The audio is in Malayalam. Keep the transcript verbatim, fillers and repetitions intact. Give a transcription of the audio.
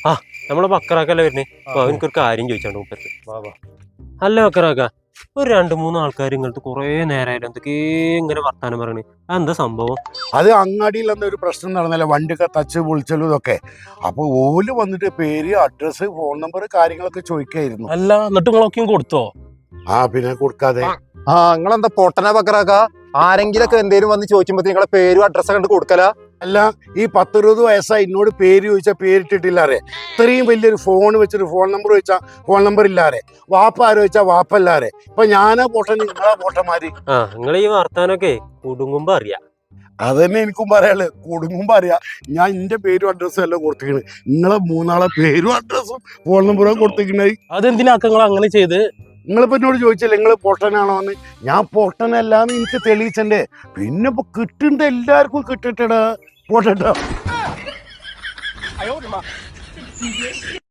ആ നമ്മളെ ബക്കറാക്കല്ലേ വരുന്നേ. എനിക്കൊരു കാര്യം ചോദിച്ചാണ്ട് മൂപ്പർക്ക്. അല്ല ബക്കറാക്ക, ഒരു രണ്ട് മൂന്ന് ആൾക്കാർ ഇങ്ങനത്തെ കുറെ നേരമായിട്ട് എന്തൊക്കെ ഇങ്ങനെ വർത്താനം പറയണേ, അതെന്താ സംഭവം? അത് അങ്ങാടിയിൽ ഒരു പ്രശ്നം നടന്നല്ലേ, വണ്ടിയൊക്കെ തച്ച് പൊളിച്ചലും ഇതൊക്കെ. അപ്പൊ ഓല് വന്നിട്ട് പേര്, അഡ്രസ്, ഫോൺ നമ്പർ കാര്യങ്ങളൊക്കെ ചോദിക്കായിരുന്നു. അല്ല എന്നിട്ട് നിങ്ങളൊക്കെയും കൊടുത്തോ? ആ പിന്നെ കൊടുക്കാതെ. ആ നിങ്ങളെന്താ പൊട്ടന ബക്കറാക്ക? ആരെങ്കിലൊക്കെ എന്തേലും വന്ന് ചോദിക്കുമ്പോ നിങ്ങളെ പേരും അഡ്രസ്സൊക്കെ കണ്ട് കൊടുക്കല? അല്ല, ഈ പത്തിരുപത് വയസ്സായി എന്നോട് പേര് ചോദിച്ചാൽ പേരിട്ടിട്ടില്ലാറേ. ഇത്രയും വലിയൊരു ഫോൺ വെച്ചിട്ട് ഫോൺ നമ്പർ ചോദിച്ചാൽ ഫോൺ നമ്പർ ഇല്ലാറേ. വാപ്പ ആരോ ചോദിച്ചാൽ വാപ്പല്ലാറേ. ഇപ്പൊ ഞാനാ പോട്ടൻ, നിങ്ങളാ പോട്ടന്മാര്. ആ നിങ്ങൾ ഈ വർത്താനൊക്കെ കുടുങ്ങുമ്പോ അറിയാം. അതന്നെ എനിക്കും പറയാനുള്ളത്. കുടുങ്ങുമ്പോ അറിയാം. ഞാൻ എന്റെ പേരും അഡ്രസ്സും എല്ലാം കൊടുത്തിരിക്കണേ. നിങ്ങളെ മൂന്നാളെ പേരും അഡ്രസ്സും ഫോൺ നമ്പറും കൊടുത്തിരിക്കണേ. അതെന്തിനാക്ക നിങ്ങൾ അങ്ങനെ ചെയ്ത്? നിങ്ങളിപ്പോ എന്നോട് ചോദിച്ചല്ലേ നിങ്ങൾ പൊട്ടനാണോ എന്ന്. ഞാൻ പൊട്ടനല്ലാന്ന് എനിക്ക് തെളിയിച്ചണ്ടേ. പിന്നെ ഇപ്പൊ കിട്ടണ്ട എല്ലാവർക്കും കിട്ടട്ടടാ. പോട്ടട്ടോ.